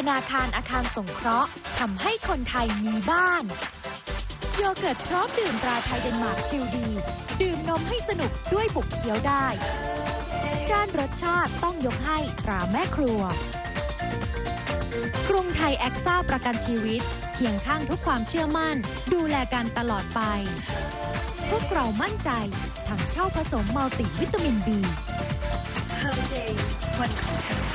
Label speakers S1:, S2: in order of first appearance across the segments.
S1: นาคารอาคารสงเคราะห์ทำให้คนไทยมีบ้านโยเกิร์ตพร้อมดื่มตราไทยเดนมาร์กชิลดีดื่มนมให้สนุกด้วยบุกเคี้ยวได้ด้านรสชาติต้องยกให้ตราแม่ครัวกรุงไทยแอคซ่าประกันชีวิตเคียงข้างทุกความเชื่อมั่นดูแลกันตลอดไปพวกเรามั่นใจถังเช่าผสมมัลติวิตามิน B
S2: เฮอร์เดย์วันของเธอ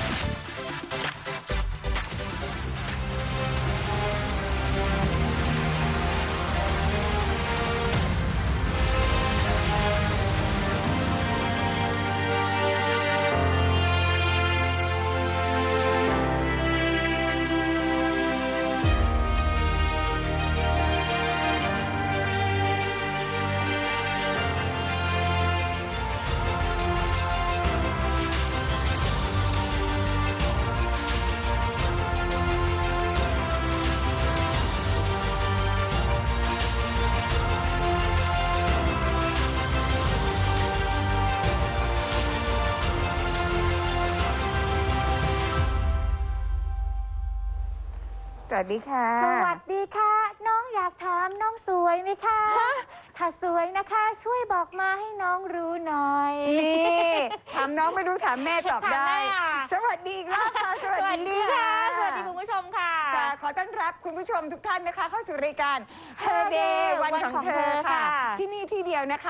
S3: สวัสดีค่ะ
S4: สวัสดีค่ะน้องอยากถามน้องสวยไหมคะถ้าสวยนะคะช่วยบอกมาให้น้องรู้หน่อย
S3: นี่ถามน้องไม่รู้ถามแม่ตอบได้ สวัสดีอีกรอบค่ะสวัสดีค่ะ
S4: สวัสดีคุณผู้ชมค่ะ
S3: ขอต้อนรับคุณผู้ชมทุกท่านนะคะเข้าสู่รายการ Her Day วันของเธอค่ะที่นี่ที่เดียวนะคะ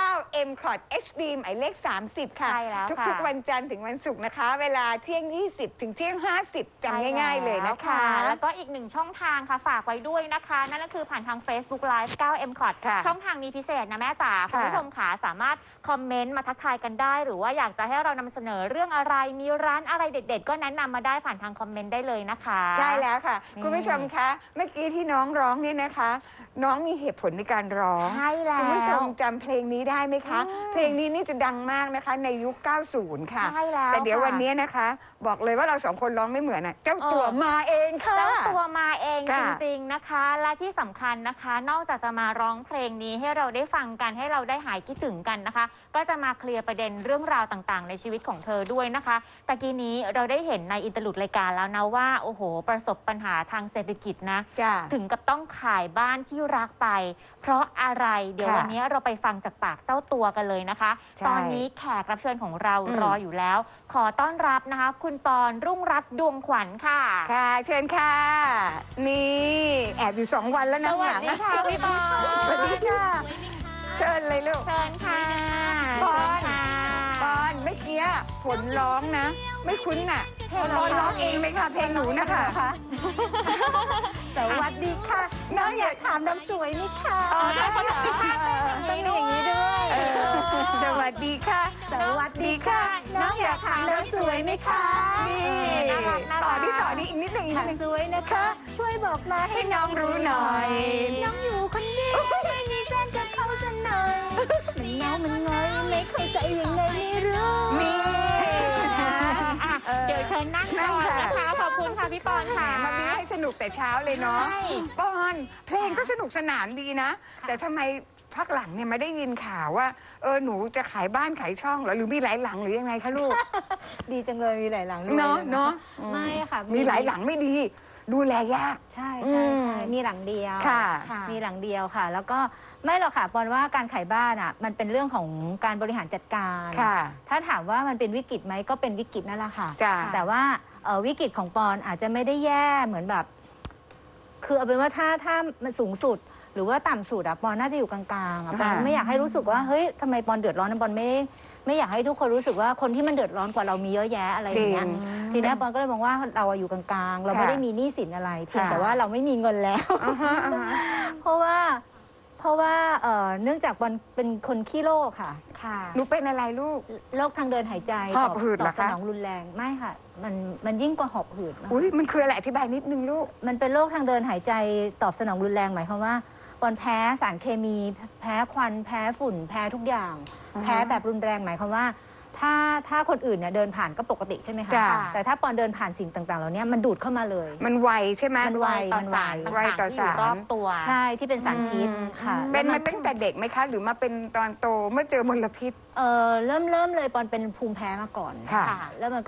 S3: 9M Clot HD หมายเลข30ค่ะ
S4: ใช่แล้วค่ะ
S3: ทุกๆวันจันทร์ถึงวันศุกร์นะคะ เวลาเที่ยง20ถึงเที่ยง50จำง่ายๆเลยนะคะ
S4: แล้วก็อีกหนึ่งช่องทางค่ะฝากไว้ด้วยนะคะนั่นก็คือผ่านทาง Facebook Live 9M Clot ช่องทางนี้พิเศษนะแม่จ๋าคุณผู้ชมค่ะสามารถคอมเมนต์มาทักทายกันได้หรือว่าอยากจะให้เรานำเสนอเรื่องอะไรมีร้านอะไรเด็ดๆก็แนะนำมาได้ผ่านทางคอมเมนต์ได้เลยนะคะ
S3: ใช่แล้วค่ะคุณผู้ชมคะเมื่อกี้ที่น้องร้องเนี่ยนะคะ น้องมีเหตุผลในการร้อง
S4: ใช่แล้ว
S3: คุณผู้ชมจำเพลงนี้ได้ไหมคะเพลงนี้นี่จะดังมากนะคะในยุค 90 ค่ะ
S4: ใช่แล้ว
S3: แต่เดี๋ยววันนี้นะคะ บอกเลยว่าเราสองคนร้องไม่เหมือนอ่ะเจ้าตัวมาเองค่ะ
S4: เจ้าตัวมาเอง
S3: ค่ะ
S4: จริงๆนะคะและที่สำคัญนะคะนอกจากจะมาร้องเพลงนี้ให้เราได้ฟังกันให้เราได้หายคิดถึงกันนะคะ ก็จะมาเคลียร์ประเด็นเรื่องราวต่างๆในชีวิตของเธอด้วยนะคะตะกี้นี้เราได้เห็นในอินเตอร์ลูดรายการแล้วนะว่าโอ้โหประสบปัญหาทางเศรษฐกิจนะ
S3: จ้ะ
S4: ถึงกับต้องขายบ้านที่รักไป เพราะอะไรเดี๋ยว
S3: ค่ะ
S4: วันนี้เราไปฟังจากปากเจ้าตัวกันเลยนะคะ
S3: ใช่
S4: ตอนนี้แขกรับเชิญของเรารออยู่แล้ว ขอต้อนรับนะคะ คุณปอนรุ่งรัตน์ดวงขวัญค่ะ
S3: ค่ะ เชิญค่ะ นี่แอบอยู่2 วันแล้วนะ
S4: สวัสดีค่ะพี่ปอน
S3: สวัสดีค่ะเชิญเลยลูก
S4: เชิญค่ะ
S3: ปอน
S4: เชิญค่ะ
S3: ปอนเมื่อกี้ฝนร้องนะ ไม่คุ้นน่ะ
S4: เพลง
S3: ปอนร้องเองเลยค่ะ เพลงหนูนะคะ
S2: สวัสดีค่ะ น้องอยากถามน้องสวยไหมคะ
S4: ต้องมีอย่างนี้ด้วย
S3: สวัสดีค่ะ
S2: สวัสดีค่ะ น้องอยากถามน้องสวยไหมคะ
S3: นี่
S4: น่ารัก
S3: ต่อที่อีกนิดหนึ่งอีกนิ
S2: ถ้า
S3: ดหนึ่ง
S2: สวยนะคะ ช่วยบอกมาให้
S3: ให้น้องรู้หน่อย
S2: น้องอยู่คนเดียวไม่มีแฟนจะเข้าสักหน่อยมันเงามันงอยไม่เข้าใจยังไงไม่รู้
S3: นี่
S4: เดี๋ยวเชิญนั่งก่อนนะคะ ขอบคุณค่ะพี่ปอน
S3: แหม
S4: ค่ะ
S3: มามีให้สนุกแต่เช้าเลยเนาะ
S4: ใช่
S3: ปอนเพลงก็สนุกสนานดีนะ แต่ทำไมพักหลังเนี่ยไม่ได้ยินข่าวว่าหนูจะขายบ้านขายช่องเหรอหรือมีหลายหลังหรือยังไงคะลูก
S2: ดีจังเลยมีหลายหลังด้วย
S3: เนาะเนาะ
S2: ไม่ค่ะ
S3: มีหลายหลังไม่ดี ดูแลยาก
S2: ใช่ใช่ใช่มีหลังเดียว
S3: ค่ะ
S2: มีหลังเดียวค่ะ แล้วก็ไม่หรอกค่ะปอนว่าการขายบ้านอ่ะมันเป็นเรื่องของการบริหารจัดการ
S3: ค่ะ
S2: ถ้าถามว่ามันเป็นวิกฤตไหมก็เป็นวิกฤตนั่นแหละค่ะ
S3: จ้ะ
S2: แต่ว่าวิกฤตของปอนอาจจะไม่ได้แย่เหมือนแบบ คือเอาเป็นว่าถ้ามันสูงสุด หรือว่าต่ำสุดอะปอนน่าจะอยู่กลางๆอะปอนไม่อยากให้รู้สึกว่าเฮ้ยทำไมปอนเดือดร้อนนะปอนไม่อยากให้ทุกคนรู้สึกว่าคนที่มันเดือดร้อนกว่าเรามีเยอะแยะอะไรอย่างเงี้ยทีนี้ปอนก็เลยมองว่าเราอยู่กลางๆ เราไม่ได้มีหนี้สินอะไรเพียงแต่ว่าเราไม่มีเงินแล้ว เพราะว่าเนื่องจากปอนเป็นคนขี้โรคค่ะ
S4: ค่ะ
S3: หนูเป็นอะไรลูก
S2: โรคทางเดินหายใจ
S3: หอบหืด
S2: ต
S3: เหร
S2: อ
S3: อบ
S2: ส
S3: คะ
S2: นองรุนแรงไม่ค่ะ มันยิ่งกว่าหอบหืดมาก
S3: อุ้ยมันคืออะไรอธิบายนิดนึงลูก
S2: มันเป็นโรคทางเดินหายใจตอบสนองรุนแรงหมายความว่าปอนแพ้สารเคมี แพ้ควันแพ้ฝุ่น แพ้ทุกอย่าง แพ้แบบรุนแรงหมายความว่า ถ้าคนอื่นเนี่ยเดินผ่านก็ปกติใช่ไหมคะ
S3: จ้ะ
S2: แต่ถ้าปอนเดินผ่านสิ่งต่างๆเหล่านี้มันดูดเข้ามาเลย
S3: มันไวใช่ไหม
S2: มันไว
S4: ต่อสาร
S3: ไวต่อ
S4: ต่างๆที่อยู่
S3: สาร
S4: รอบตัว
S2: ใช่ที่เป็นสารพิษค่ะ
S3: เป็น
S2: แล้ว
S3: มาตั้งแต่เด็กไหมคะ หรือมาเป็นตอนโตเมื่อเจอมลพิษ
S2: เริ่มเลยปอนเป็นภูมิแพ้มาก่อน
S3: ค่ะ
S2: แล้วมันก็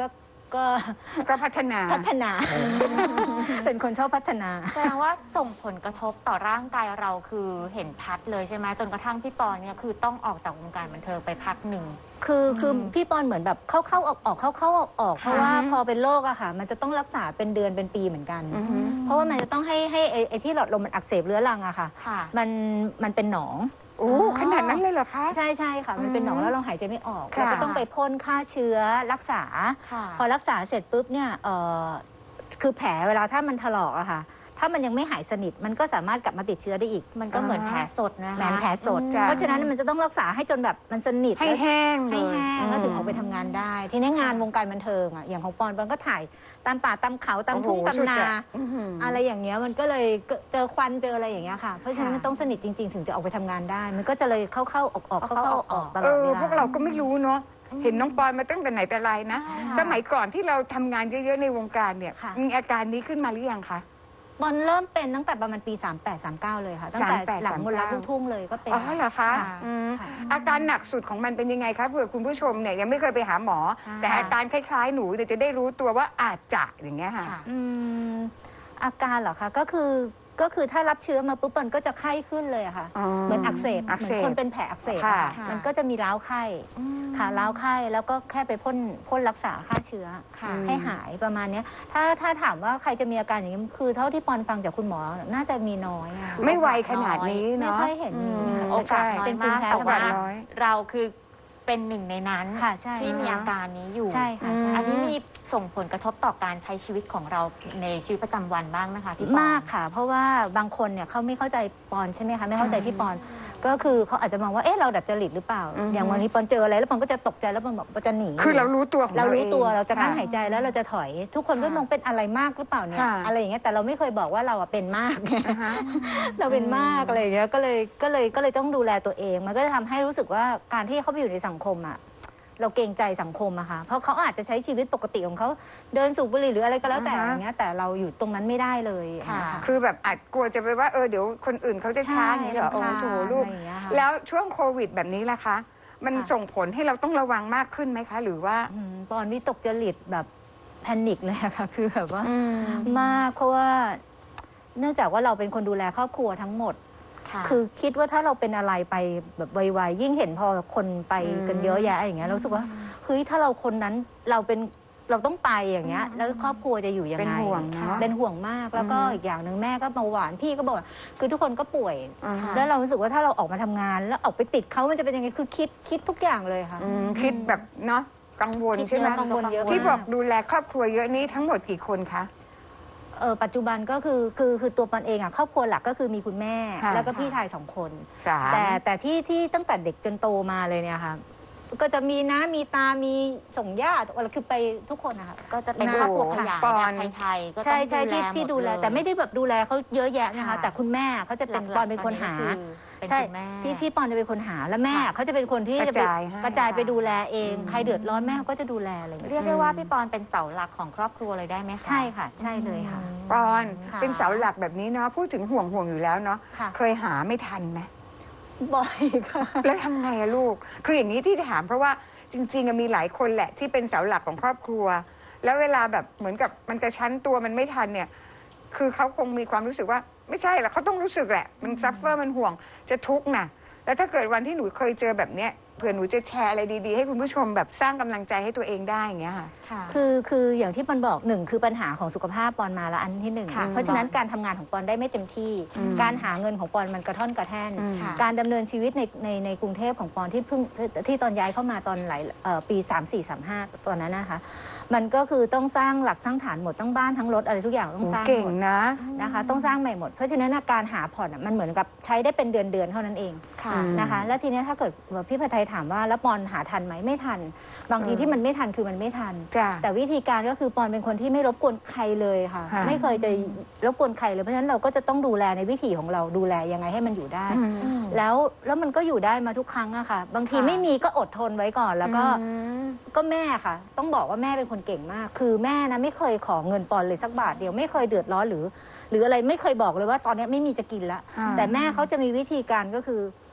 S2: ก็
S3: ก็พัฒนา
S2: เป็นคนชอบพัฒนา
S4: แสดงว่าส่งผลกระทบต่อร่างกายเราคือเห็นชัดเลยใช่ไหมจนกระทั่งพี่ปอนเนี่ยคือต้องออกจากวงการบันเทิงไปพักหนึ่ง
S2: คือพี่ปอนเหมือนแบบเข้าๆออกๆเข้าๆออกๆเพราะว่าพอเป็นโรคอะค่ะ มันจะต้องรักษาเป็นเดือนเป็นปีเหมือนกัน เพราะว่ามันจะต้องให้ไอ้ที่หลอดลมมันอักเสบเรื้อรังอะค่ะ
S4: ค่ะ
S2: มันเป็นหนอง
S3: โอ้ขนาดนั้นเลยเหรอคะ
S2: ใช่ค่ะ มันเป็นหนองแล้วเราหายใจไม่ออก
S3: ค่ะ
S2: เราก็ต้องไปพ่นฆ่าเชื้อรักษา
S4: ค่ะ
S2: พอรักษาเสร็จปุ๊บเนี่ยคือแผลเวลาถ้ามันถลอกอะค่ะ ถ้ามันยังไม่หายสนิทมันก็สามารถกลับมาติดเชื้อได้อีก
S4: มันก็เหมือนแผลสดนะคะ
S2: แผลสด
S3: จ้ะ
S2: เพราะฉะนั้นมันจะต้องรักษาให้จนแบบมันสนิท
S3: ให้แห้งเล
S2: ให้
S3: ย
S2: แห้งแล้วถึงออกไปทำงานได้ ทีนี้งานวงการบันเทิงอะอย่างของปอนก็ถ่ายตามป่าตามเขาตามทุ่ง
S3: โอ้โห
S2: ตามนา
S3: สุดอะอื้อหืออ
S2: อะไรอย่างเงี้ยมันก็เลยเจอควันเจออะไรอย่างเงี้ยค่ะ เพราะฉะนั้น
S4: ค่ะ
S2: มันต้องสนิทจริง ๆ ถึงจะออกไปทำงานได้ มันก็จะเลยเข้าๆออกๆเข้าๆออกๆตล
S3: เอ
S2: อด
S3: อ
S2: เวลา
S3: พวกเราก็ไม่รู้เนาะเห็นน้องปอนมาตั้งแต่ไหนแต่ไรนะ สมัยก่อนที่เราทำงานเยอะๆในวงการเนี่ย
S2: ค่ะ
S3: มีอาการนี้ขึ้นมาหรือยังคะ
S2: บอลเริ่มเป็นตั้งแต่ประมาณปี 38-39 เลยค่ะ ตั้งแต่
S3: 38
S2: หลังมนต์รักลูกทุ่งเลยก็เป็น
S3: อ๋อเหรอคะ
S2: ค่ะ
S3: อืม
S2: ค่ะ
S3: อาการหนักสุดของมันเป็นยังไงคะเผื่อคุณผู้ชมเนี่ยยังไม่เคยไปหาหมอ แต่อาการคล้ายๆหนูแต่จะได้รู้ตัวว่าอาจจะอย่างเงี้ยค่ะ
S4: ค่ะ
S2: อาการเหรอคะก็คือถ้ารับเชื้อมาปุ๊บมันก็จะไข้ขึ้นเลยอะค่ะ
S3: อ๋อ
S2: เหมือนอักเสบ
S3: อัก
S2: เหมื
S3: เส
S2: อน
S3: บ
S2: คนเป็นแผลอักเสบอะ
S3: ค่ะ
S2: ค่ะมันก็จะมีร้าวไข้ค่ะร้าวไข้แล้วก็แค่ไปพ่นรักษาฆ่าเชื้อ
S4: ค่ะ
S2: ให้หายประมาณเนี้ยถ้าถามว่าใครจะมีอาการอย่างนี้คือเท่าที่ปอนฟังจากคุณหมอน่าจะมีน้อยอะ
S3: ไม่ไวขนาดนี้
S2: ไม่
S3: เนาะ
S2: ค่อยเห็นมีค่ะ
S4: โอกาสน้อย
S2: เป็นภูมิ
S4: มาก
S2: แพ้
S4: แต่
S2: ธรรม
S4: ว่า
S2: ดา
S3: น้อย
S4: เราคือเป็นหนึ่งในนั้น
S2: ค่ะใช่
S4: ที่มีอาการนี้อยู่
S2: ใช่ค่ะใช่
S4: อันนี้มีส่งผลกระทบต่อการใช้ชีวิตของเราในชีวิตประจำวันบ้างไหมคะพี่ปอน
S2: มากค่ะ เพราะว่าบางคนเนี่ยเขาไม่เข้าใจปอนใช่ไหมคะไม่เข้าใจพี่ปอน ก็คือเขาอาจจะมองว่าเอ๊ะเราดัดจริตหรือเปล่า อย่างวันนี้ปอนเจออะไรแล้วปอนก็จะตกใจแล้วปอนบอกปอนจะหนี
S3: คือเรารู้ตัวของ
S2: เรารู้ตัว
S3: อง
S2: เราจะกั้น
S3: ค่
S2: หายใจแล้วเราจะถอย ทุกคนก็มองเป็นอะไรมากหรือเปล่าเนี่ย
S3: ค่ะ
S2: อะไรอย่างเงี้ยแต่เราไม่เคยบอกว่าเราอะเป็นมากไง
S3: อ่าฮะ
S2: เราเป็นมากอะไรอย่างเงี้ยก็เลยต้องดูแลตัวเอง มันก็จะทำให้รู้สึกว่าการที่เขาไปอยู่ในสังคมอะเราเกรงใจสังคมอะค่ะเพราะเขาอาจจะใช้ชีวิตปกติของเขาเดินสูบบุหรี่หรืออะไรก็แล้วแต่
S3: อ่าฮะ
S2: อย่างเงี้ยแต่เราอยู่ตรงนั้นไม่ได้เลยอย่างเงี้ย
S4: ค่ะ
S2: ค่ะ
S3: คือแบบอาจกลัวจะไปว่าเดี๋ยวคนอื่นเขาจะช้าอย่างนี้เหรอโอ้โหลูก
S2: อะไรอย่างเงี้ยค่ะ
S3: แล้วช่วงโควิดแบบนี้ล่ะคะ มัน
S2: ค่ะ
S3: ส่งผลให้เราต้องระวังมากขึ้นไหมคะ หรือว่า
S2: ปอนวิตกจริตแบบแพนิคเลยอะค่ะ คือแบบว่ามากเพราะว่าเนื่องจากว่าเราเป็นคนดูแลครอบครัวทั้งหมด
S4: ค่ะ
S2: คือคิดว่าถ้าเราเป็นอะไรไปแบบไวๆยิ่งเห็นพอคนไปกันเยอะแยะอย่างเงี้ยเรารู้สึกว่าเฮ้ยถ้าเราคนนั้นเราต้องไปอย่างเงี้ยแล้วครอบครัวจะอยู่ยัง
S3: เป็น
S2: ไง
S3: ห่วงเนอะ
S2: เป็นห่วงมากแล้วก็อีกอย่างหนึ่งแม่ก็เบาหวานพี่ก็บอกว่าคือทุกคนก็ป่วย
S3: อ่าฮะ
S2: แล้วเรารู้สึกว่าถ้าเราออกมาทำงาน แล้วออกไปติดเขามันจะเป็นยังไงคือคิดทุกอย่างเลยค่ะ
S3: คิดแบบเนาะกังวล
S2: คิด
S3: ใช่ไหม
S2: กังวลเยอะ
S3: ที่
S2: มาก
S3: บอกดูแลครอบครัวเยอะนี้ทั้งหมดกี่คนคะ
S2: ปัจจุบันก็คือตัวปอนเองอ่ะครอบครัวหลักก็คือมีคุณแม่
S3: ค่ะ
S2: แล้วก็พี่ชาย2 คน
S3: สาม
S2: แต่ที่ตั้งแต่เด็กจนโตมาเลยเนี่ยค่ะ ก็จะมีน้ามีตามีส่งญาติอะไรคือไปทุกคนนะคะ
S4: ก็จะเป็นครอบครัวขยาย
S3: ปอน
S4: แบบไทยๆก็ต้อง
S2: ใช่ที่ดูแล
S4: หมดเย
S2: แต่ไม่ได้แบบดูแลเขาเยอะแยะนะคะ
S4: ค่ะ
S2: แต่คุณแม่เขาจะเป็น
S4: หลักๆ
S2: ปอนเป็นคนหา
S4: ตอนนี้ก็คือเป็น
S2: ใช่
S4: คุณแม่
S2: พี่ปอนจะเป็นคนหาแล้วแม่
S4: ค่ะ
S2: เขาจะเป็นคนที่จะไป
S3: กระจายให้
S2: กระจายไปดูแลเอง ใครเดือดร้อนแม่เขาก็จะดูแลอะไรอย่าง
S4: เรี
S2: เงี้ย
S4: ยกได้ว่าพี่ปอนเป็นเสาหลักของครอบครัวเลยได้ไหมคะ
S2: ใช่ค่ะ ใช่เลยค่ะ
S3: ปอน
S2: ค่ะ
S3: เป็นเสาหลักแบบนี้เนาะพูดถึงห่วงอยู่แล้วเนาะ
S2: ค่ะ
S3: เคยหาไม่ทันไหม
S2: บ่อยค่ะ
S3: แล้วทำไงอะลูก คืออย่างนี้ที่ถามเพราะว่าจริงๆอะมีหลายคนแหละที่เป็นเสาหลักของครอบครัว แล้วเวลาแบบเหมือนกับมันกระชั้นตัวมันไม่ทันเนี่ย คือเขาคงมีความรู้สึกว่าไม่ใช่หรอกเขาต้องรู้สึกแหละ มันซัฟเฟอร์มันห่วงจะทุกข์นะแล้วถ้าเกิดวันที่หนูเคยเจอแบบเนี้ยเผื่อหนูจะแชร์อะไรดีๆให้คุณผู้ชมแบบสร้างกำลังใจให้ตัวเองได้อย่างเงี้ยค่ะ
S4: ค่ะ
S2: คืออย่างที่ปอนบอกหนึ่งคือปัญหาของสุขภาพปอนมาแล้วอันที่หนึ่ง
S4: ค่ะ
S2: เพราะฉะนั้นการทำงานของปอนได้ไม่เต็มที่ การหาเงินของปอนมันกระท่อนกระแท่น
S4: ค่ะ
S2: การดำเนินชีวิตในกรุงเทพของปอนที่ตอนย้ายเข้ามาตอนหลายปี 34-35 ตอนนั้นนะคะ มันก็คือต้องสร้างหลักสร้างฐานหมดทั้งบ้านทั้งรถอะไรทุกอย่างต้องสร้าง
S3: เก่ง
S2: หมด
S3: นะ
S2: นะคะต้องสร้างใหม่หมด เพราะฉะนั้นการหาผ่อนมันเหมือนกับใช้ได้เป็นเดือนเท่านั้นเอง
S4: ค่ะ
S2: นะคะ แล้วทีนี้ถ้าเกิดพี่ผัดไทยถามว่าแล้วปอนหาทันไหมไม่ทัน บางทีที่มันไม่ทันคือมันไม่ทัน
S3: จ้ะ
S2: แต่วิธีการก็คือปอนเป็นคนที่ไม่รบกวนใครเลยค่ะ
S3: ค่ะ
S2: ไม่เคยจะรบกวนใครเลยเพราะฉะนั้นเราก็จะต้องดูแลในวิถีของเราดูแลยังไงให้มันอยู่ได้ แล้วมันก็อยู่ได้มาทุกครั้งอะค่ะ บางที
S4: ค่ะ
S2: ไม่มีก็อดทนไว้ก่อนแล้วก็
S3: อืม
S2: ก็แม่ค่ะ ต้องบอกว่าแม่เป็นคนเก่งมาก คือแม่นะไม่เคยขอเงินปอนเลยสักบาทเดียวไม่เคยเดือดร้อนหรืออะไรไม่เคยบอกเลยว่าตอนนี้ไม่มีจะกินละ
S3: ค่ะ
S2: แต่แม่เขาจะมีวิธีการก็คือ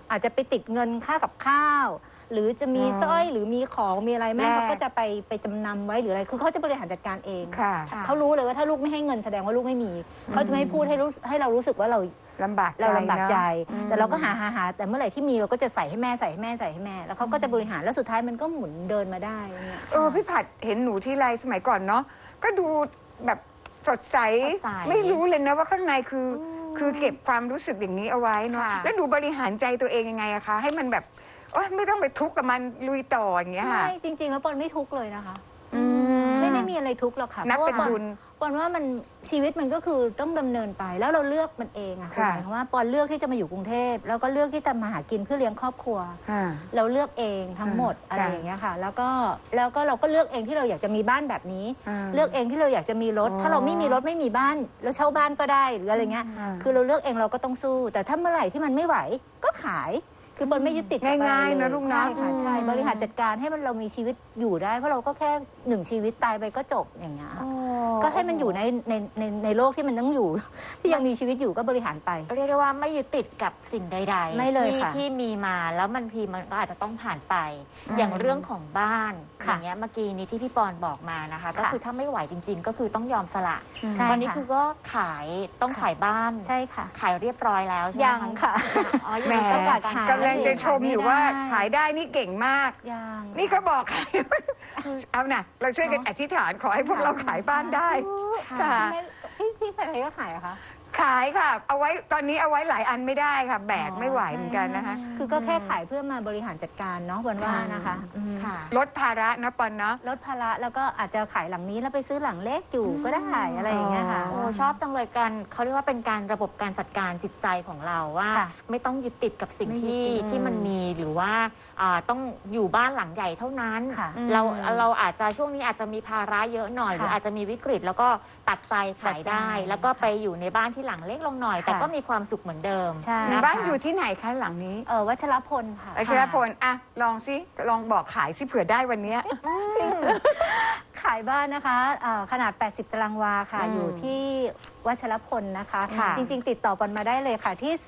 S2: อาจจะไปติดเงินค่ากับข้าว หรือจะมีสร้อยหรือมีของมีอะไรแม่
S3: แลก
S2: เขาก็จะไปจำนำไว้หรืออะไรคือเขาจะบริหารจัดการเอง
S3: ค่ะ
S2: เขารู้เลยว่าถ้าลูกไม่ให้เงินแสดงว่าลูกไม่มีเขาจะไม่พูดให้เรารู้สึกว่าเรา
S3: ลำบากใจ
S2: เราลำบากใจ
S3: เนอะ
S2: แต่เราก็หาแต่เมื่อไหร่ที่มีเราก็จะใส่ให้แม่แล้วเขาก็จะบริหารแล้วสุดท้ายมันก็หมุนเดินมาได้อย่างเงี้ย
S3: พี่ผัดเห็นหนูที่ไรสมัยก่อนเนาะก็ดูแบบสดใส
S4: สดใส
S3: ไม่รู้เลยนะว่าข้างในคือเก็บความรู้สึกอย่างนี้เอาไว้เนาะ
S4: ค่ะ
S3: แล้วหนูบริหารใจตัวเองยังไงอะคะ ให้มันแบบโอ๊ยไม่ต้องไปทุกข์กับมันลุยต่ออย่างเงี้ยค่ะ
S2: ไม่จริง ๆ แล้วปอนไม่ทุกข์เลยนะคะ
S3: อืม
S2: ไม่ได้มีอะไรทุกข์หรอกค่ะ
S3: นับ
S2: เพราะ
S3: เป็
S2: ว่าน
S3: บุญ
S2: ปอนว่ามันชีวิตมันก็คือต้องดำเนินไปแล้วเราเลือกมันเองอะคือ
S3: ค่ะ
S2: หมายความว่าปอนเลือกที่จะมาอยู่กรุงเทพแล้วก็เลือกที่จะมาหากินเพื่อเลี้ยงครอบครัว
S3: อ่า
S2: เราเลือกเองทั้งหมดอะไรอย่างเงี้ยค่ะ แล้วก็เราก็เลือกเองที่เราอยากจะมีบ้านแบบนี้
S3: อืม
S2: เลือกเองที่เราอยากจะมีรถ
S3: อ๋อ
S2: ถ้าเราไม่มีรถไม่มีบ้านเราเช่าบ้านก็ได้หรืออะไรเงี้ย
S3: อืม
S2: คือเราเลือกเองเราก็ต้องสู้ แต่ถ้าเมื่อไหร่ที่มันไม่ไหวก็ขาย คือปอนไม่ยึดติดกับอะไร
S3: ง่ายๆ
S2: เล
S3: นะ
S2: ย
S3: ลูกนะ
S2: ใช่ค่ะใช่
S3: อืม
S2: บริหารจัดการให้มันเรามีชีวิตอยู่ได้ เพราะเราก็แค่หนึ่งชีวิตตายไปก็จบอย่างเงี้ยค่ะก็ให้มันอยู่ในโลกที่มันต้องอยู่ ที่ยังมีชีวิตอยู่ก็บริหารไป
S4: เรียกได้ว่าไม่ยึดติดกับสิ่งใดๆ
S2: ไม่เลย
S4: ที่
S2: ค่ะ
S4: ที่มีมาแล้วมันพีมันก็อาจจะต้องผ่านไป
S2: ใช่
S4: อย่างเรื่องของบ้านอ
S2: ค่ะ
S4: ย่างเงี้ยเมื่อกี้นี้ที่พี่ปอนบอกมานะคะ ก็
S2: ค่ะ
S4: คือถ้าไม่ไหวจริง ๆ ก็คือต้องยอมสละ
S2: ใช่
S4: ตอนนี้
S2: ค่ะ
S4: คือก็ขายต้อง
S2: ค่ะ
S4: ขายบ้าน
S2: ใช่ค่ะ
S4: ขายเรียบร้อยแล้วใช่ไหม
S2: ยังค่ะ
S4: อ๋อ
S3: แหม
S4: ยัง
S2: ประกาศขาย
S3: กำลังจะชมอยู่ว่า
S2: ไม่ได้
S3: ขายได้นี่เก่งมาก
S2: ยัง
S3: นี่ก็บอก เอานะเราช่วยกันอธิษฐานขอให้พวกเราขายบ้านได้ ค่ะ
S2: พี่ใครก็ขายเหรอะคะ
S3: ขายค่ะ เอาไว้ตอนนี้เอาไว้หลายอันไม่ได้ค่ะ แบกไม่ไหวเหมือนกันนะคะ
S2: คือก็แค่ขายเพื่อมาบริหารจัดการเนาะวันว่านะคะอืม
S4: ค่ะ
S3: ลดภาระนะปอนเนาะ
S2: ลดภาระแล้วก็อาจจะขายหลังนี้แล้วไปซื้อหลังเล็กอยู่ก็ได้อะไรอย่างเงี้ยค่ะ
S4: โอ้ชอบจังเลยกันเขาเรียกว่าเป็นการระบบการจัดการจิตใจของเราว่า
S2: ค่ะ
S4: ไม่ต้องยึดติดกับสิ่ง
S2: ไม่ยึด
S4: ที่
S2: ติด
S4: ที่มันมีหรือว่าต้องอยู่บ้านหลังใหญ่เท่านั้น
S2: ค่ะ
S4: เราอาจจะช่วงนี้อาจจะมีภาระเยอะหน่อยห
S2: ค่ะ
S4: รืออาจจะมีวิกฤต แล้วก็ตัดใจขายได้
S2: ตัดใจ
S4: แล้วก็ไปอยู่ในบ้านที่หลังเล็กลงหน่อย
S2: ค่ะ
S4: แต่ก็มีความสุขเหมือนเดิม
S2: ใช่
S4: นะคะ
S3: บ้านอยู่ที่ไหนคะหลังนี้
S2: วัชรพลค่ะ
S3: อาชรพลอ่ะลองสิลองบอกขายสิเผื่อได้วันเนี้ย
S2: ขายบ้านนะคะขนาด 80 ตารางวาค่ะ
S3: อืม
S2: อยู่ที่วัชรพลนะคะ
S3: ค่ะ
S2: จริง ๆ ติดต่อปอนมาได้เลยค่ะที่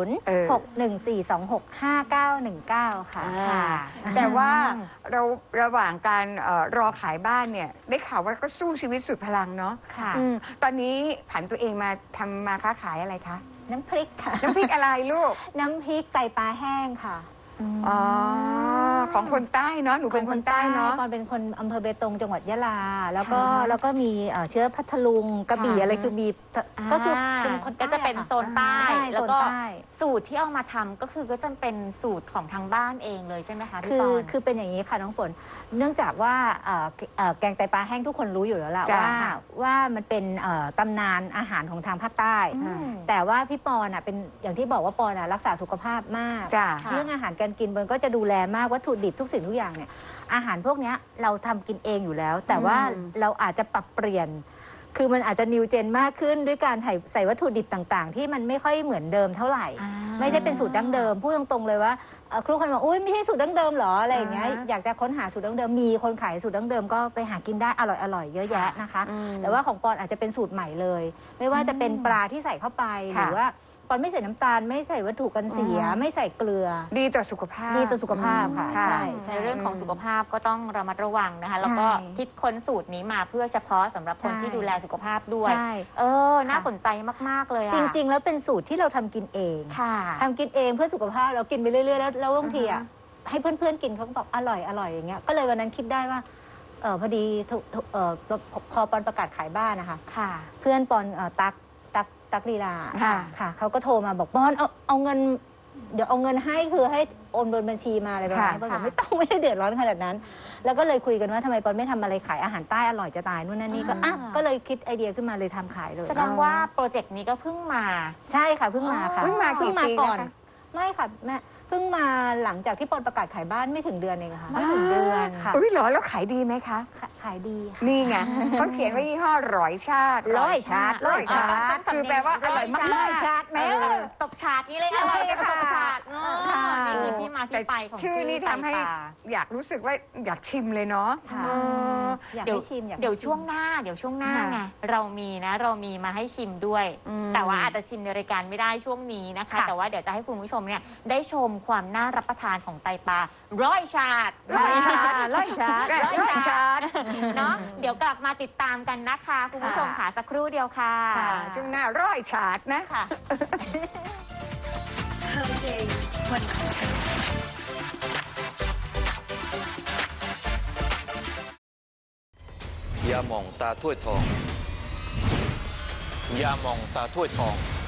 S2: 0614265919 ค่ะ
S4: ค่ะ
S3: แต่ว่าเราระหว่างการรอขายบ้านเนี่ย ได้ข่าวว่าก็สู้ชีวิตสุดพลังเนาะ
S4: ค่ะ
S3: ตอนนี้ผันตัวเองมาทำมาค้าขายอะไรคะ
S2: น้ำพริกค่ะ
S3: น้ำพริกอะไรลูก
S2: น้ำพริกไตปลาแห้งค่ะ
S3: อ๋อ ของคนใต้เนาะหนูเป็นคนใต้เนาะ
S2: ปอนเป็นคนอำเภอเบตงจังหวัดยะลา แล้วก็มีเชื้อพัทลุงกระบี่
S3: ค่ะ
S2: อะไรคือมีก็คือเป็นคนใต้
S4: ก็จะเป็นโซนใต้
S2: ใช่
S4: แล้ว
S2: โซน
S4: ก็
S2: ใต้
S4: สูตรที่เอามาทำก็คือก็จะเป็นสูตรของทางบ้านเองเลยใช่ไหมคะพี่ปอน
S2: คือเป็นอย่างนี้ค่ะน้องฝน เนื่องจากว่าแกงไตปลาแห้งทุกคนรู้อยู่แล้วล่ะ
S3: จ้ะ
S2: ว่ามันเป็นตำนานอาหารของทางภาคใต้ แต่ว่าพี่ปอนเป็นอย่างที่บอกว่าปอนรักษาสุขภาพมาก
S3: จ้ะ
S2: เรื่องอาหารการกินมันก็จะดูแลมากวัตถุดิบทุกสิ่งทุกอย่างเนี่ยอาหารพวกเนี้ยเราทำกินเองอยู่แล้ว แต่ว่าเราอาจจะปรับเปลี่ยน คือมันอาจจะนิวเจนมากขึ้นด้วยการใส่วัตถุดิบต่างๆ ที่มันไม่ค่อยเหมือนเดิมเท่าไหร่ ไม่ได้เป็นสูตรดั้งเดิมพูดตรงๆเลยว่าครูคนบอกอุ้ยไม่ใช่สูตรดั้งเดิมเหรออะไรอย่างเงี้ยอยากจะค้นหาสูตรดั้งเดิมมีคนขายสูตรดั้งเดิมก็ไปหากินได้อร่อยๆเยอะแยะนะคะ แต่ว่าของปอนอาจจะเป็นสูตรใหม่เลย ไม่ว่าจะเป็นปลาที่ใส่เข้าไปหรือว่าปอนไม่ใส่น้ำตาลไม่ใส่วัตถุกันเสีย ไม่ใส่เกลือ
S3: ดีต่อสุขภาพ
S2: ดีต่อสุขภาพค่ะ
S3: ค่ะ
S2: ใช่
S4: ในเรื่องของสุขภาพก็ต้องระมัดระวังนะคะ แล้วก็คิดค้นสูตรนี้มาเพื่อเฉพาะสำหรับคน
S2: ใช่
S4: ที่ดูแลสุขภาพด้วย
S2: ใช่
S4: น่าสนใจมาก ๆ เลยอะ
S2: จริง ๆ แล้วเป็นสูตรที่เราทำกินเอง
S4: ค่ะ
S2: ทำกินเองเพื่อสุขภาพเรากินไปเรื่อยๆแล้วบางทีอ่ะให้เพื่อนๆกินเขาก็บอกอร่อยอย่างเงี้ยก็เลยวันนั้นคิดได้ว่าพอดีพอปอนประกาศขายบ้านนะคะ
S4: ค่ะ
S2: เพื่อนปอนตักลีลา
S3: ค่ะ
S2: ค่ะเขาก็โทรมาบอกปอนเอาเงินเดี๋ยวเอาเงินให้คือให้โอนบนบัญชีมาอะไรประมาณนี้ปอนบอกไม่ต้องไม่ได้เดือดร้อนขนาดนั้น แล้วก็เลยคุยกันว่าทำไมปอนไม่ทำอะไรขายอาหารใต้อร่อยจะตายนู่นนั่นนี่ก็ก็เลยคิดไอเดียขึ้นมาเลยทำขายเลย
S4: แสดงว่าโปรเจกต์นี้ก็เพิ่งมา
S2: ใช่ค่ะเพิ่งมาค่ะ
S3: เพิ่งมากี่ปี
S2: ก่อน
S3: นะคะ
S2: ไม่ค่ะแม่เพิ่งมาหลังจากที่ปอนประกาศขายบ้านไม่ถึงเดือนเองค่ะ
S4: ไม่ถึงเดือน
S2: ค่ะ
S3: อุ้ยเหรอแล้วขายดีไหมคะ
S2: ขายดีค่ะ
S3: นี่ไงเขาเขียนว่ายี่ห้อร้อยชาติ
S2: ร้อยชาติ
S3: คือแปลว่าอร่อยมาก
S2: ร้อยชาติแม่
S4: ตบฉาดนี้เลยอร่อยกับตบฉาดเนอะ
S2: ค่ะ
S4: นี่คือที่มาที่ไปของ
S3: ชื่อนี่ทำให้
S4: ไตปลา
S3: อยากรู้สึกว่าอยากชิมเลยเนาะ
S2: ค่ะ
S3: เออ
S2: อยาก
S4: เดี๋ยว
S2: ให้ชิมอยากให้
S4: เดี๋ยว
S2: ชิม
S4: ช่วงหน้าไง
S3: ค่ะ
S4: เรามีมาให้ชิมด้วย
S3: อืม
S4: แต่ว่าอาจจะชิมในรายการไม่ได้ช่วงนี้นะคะ
S2: ค่ะ
S4: แต่ว่าเดี๋ยวจะให้คุณผู้ชมเนี่ยได้ชมความน่ารับประทานของไตปลาร้อยชาติ
S2: ร้อยชาติร้อยชาติ
S3: ร้อยชาติ
S4: เนาะเดี๋ยวกลับมาติดตามกันนะคะคุณผู้ชมค่ะสักครู่เดียวค่ะ
S3: ช่วงหน้าร้อยฉาดนะ
S2: ค่ะ
S5: ยาหม่องตาถ้วยทอง ยาหม่องตาถ้วยทอง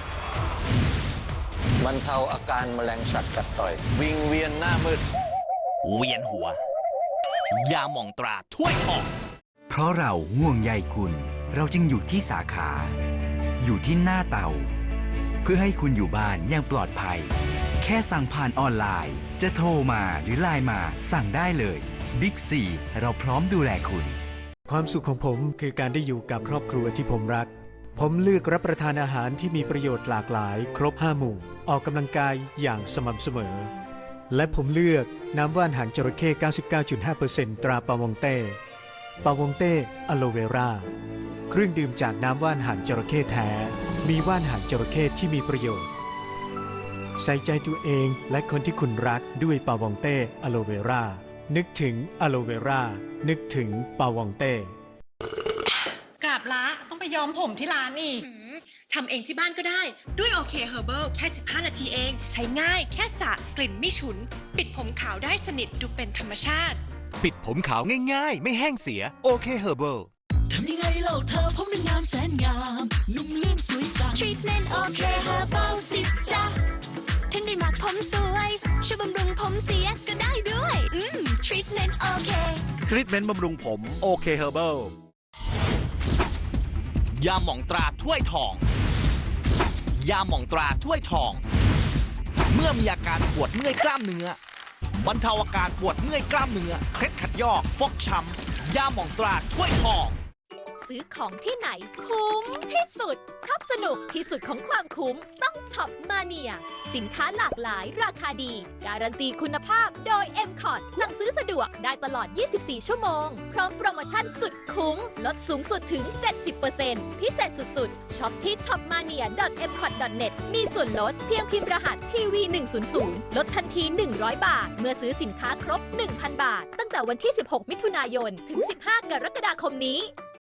S5: บรรเทาอาการแมลงสัตว์กัดต่อย วิงเวียนหน้ามืด
S6: เวียนหัว ยาหม่องตราถ้วยทอง
S7: เพราะเราห่วงใยคุณ เราจึงอยู่ที่สาขา อยู่ที่หน้าเตา เพื่อให้คุณอยู่บ้านอย่างปลอดภัย แค่สั่งผ่านออนไลน์ จะโทรมาหรือไลน์มาสั่งได้เลยบิ๊กซีเราพร้อมดูแลคุณ
S8: ความสุขของผมคือการได้อยู่กับครอบครัวที่ผมรัก ผมเลือกรับประทานอาหารที่มีประโยชน์หลากหลายครบ5หมู่ ออกกำลังกายอย่างสม่ำเสมอ และผมเลือกน้ำว่านหางจระเข้ 99.5% ตราปาวงเต้ปาวงเต้อะโลเวราเครื่องดื่มจากน้ำว่านหางจระเข้แท้ มีว่านหางจระเข้ที่มีประโยชน์ ใส่ใจตัวเองและคนที่คุณรักด้วยปาวงเต้อะโลเวรานึกถึงอะโลเวรานึกถึงปาวงเต้
S9: กราบละต้องไปย้อมผมที่ร้านอีกทำเองที่บ้านก็ได้ด้วยโอเคเฮอร์เบิลแค่15 นาทีเอง ใช้ง่ายแค่สระกลิ่นไม่ฉุน ปิดผมขาวได้สนิทดูเป็นธรรมชาติ
S6: ปิดผมขาวง่ายๆ ไม่แห้งเสีย โอเคเฮอร์เบิล
S10: ทำยังไงเล่าเธอผมนั้นงามแสนงาม นุ่มลื่นสวยจัง ทรีทเมนต์โอเคเฮอร์เบิลสิจ๊ะถึงได้มักผมสวยช่วยบำรุงผมเสียก็ได้ด้วยทรีทเมนต์โอเค
S6: ทรีทเมนต์บำรุงผมโอเคเฮอร์เบิล ยาหม่องตราถ้วยทอง ยาหม่องตราถ้วยทอง เมื่อมีอาการปวดเมื่อยกล้ามเนื้อบรรเทาอาการปวดเมื่อยกล้ามเนื้อเคล็ดขัดยอกฟกช้ำยาหม่องตราถ้วยทอง
S11: ซื้อของที่ไหนคุ้มที่สุดชอบสนุกที่สุดของความคุ้มต้องช็อปมาเนียสินค้าหลากหลายราคาดีการันตีคุณภาพโดย M-Cot สั่งซื้อสะดวกได้ตลอด 24 ชั่วโมงพร้อมโปรโมชั่นสุดคุ้มลดสูงสุดถึง 70% พิเศษสุดๆช็อปที่ shopmania.mcot.net มีส่วนลดเพียงพิมพ์รหัสทีวี100ลดทันที100 บาทเมื่อซื้อสินค้าครบ 1,000 บาทตั้งแต่วันที่ 16 มิถุนายนถึง 15 กรกฎาคมนี้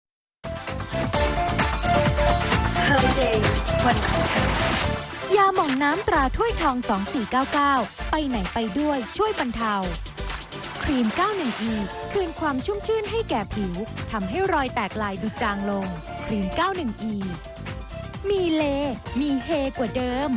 S1: ยาหม่องน้ำตราถ้วยทอง 2499 ไปไหนไปด้วยช่วยบรรเทา ครีม 91E คืนความชุ่มชื่นให้แก่ผิว ทำให้รอยแตกลายดูจางลง ครีม 91E มีเล มีเฮกว่าเดิม